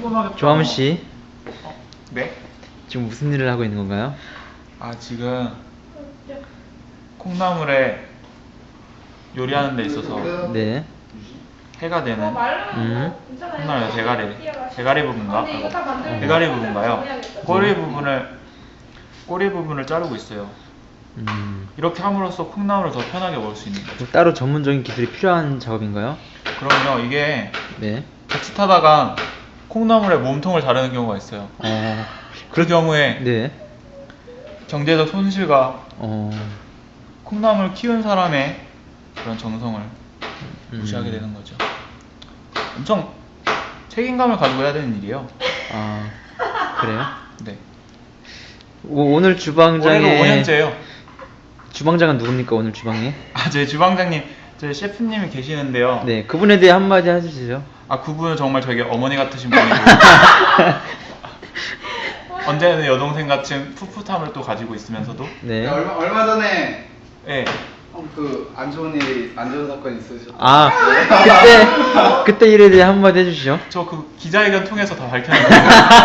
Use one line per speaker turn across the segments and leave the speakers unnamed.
피곤하겠다.
조함 씨,
네?
지금 무슨 일을 하고 있는 건가요?
아, 지금 콩나물에 요리하는 데 있어서
네.
해가 되는 콩나물 대가리 부분인가? 대가리 부분인가요? 꼬리 부분을 자르고 있어요. 이렇게 함으로써 콩나물을 더 편하게 먹을 수 있는 거죠.
따로 전문적인 기술이 필요한 작업인가요?
그럼요. 이게
네.
같이 타다가 콩나물에 몸통을 자르는 경우가 있어요. 그 경우에
네.
경제적 손실과
어.
콩나물 키운 사람의 그런 정성을 무시하게 되는 거죠. 엄청 책임감을 가지고 해야 되는 일이에요.
아, 그래요?
네.
오늘 주방장에
올해로 5년째예요.
주방장은 누굽니까, 오늘 주방에?
아, 저희 주방장님, 저희 셰프님이 계시는데요.
네, 그분에 대해 한마디 해주시죠.
아, 그분은 정말 저에게 어머니 같으신 분이고 언제나 여동생 같은 풋풋함을 또 가지고 있으면서도
네.
얼마 전에
네.
그 안 좋은 사건이 있으셨죠?
아, 그때 일에 대해 한마디 해주시죠.
저 그 기자회견 통해서 다 밝혔는데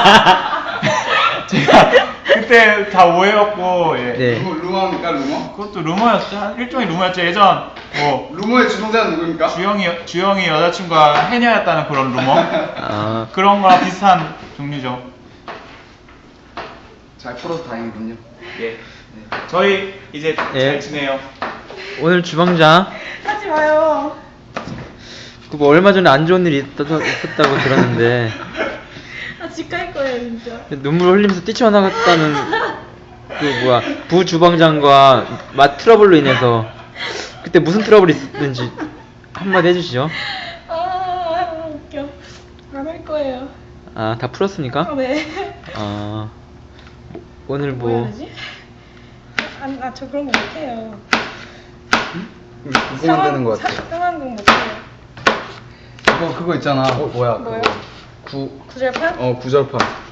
제가 그때 다 오해였고, 예.
네.
루머입니까, 루머?
그것도 루머였죠. 일종의 루머였죠. 예전 뭐
루머의 주동자는 누구입니까?
주영이 여자친구가 해녀였다는 그런 루머.
아,
그런 거랑 비슷한 종류죠.
잘 풀어서 다행이군요.
예. 저희 이제
예.
잘 지내요.
오늘 주방장,
하지 마요.
뭐 얼마 전에 안 좋은 일이 있었다고 들었는데
나 집 갈 거예요 진짜.
눈물 흘리면서 뛰쳐나갔다는 부 주방장과 맛 트러블로 인해서 그때 무슨 트러블이 있었는지 한마디 해주시죠.
아 웃겨. 안 할 거예요.
아, 다 풀었습니까?
네.
아, 오늘
뭐 해야
뭐
되지? 저 그런 거 못해요.
궁금되는 것 같아.
상황극 못해요.
그거 있잖아. 뭐야?
뭐요?
그거.
구절판?
구절판.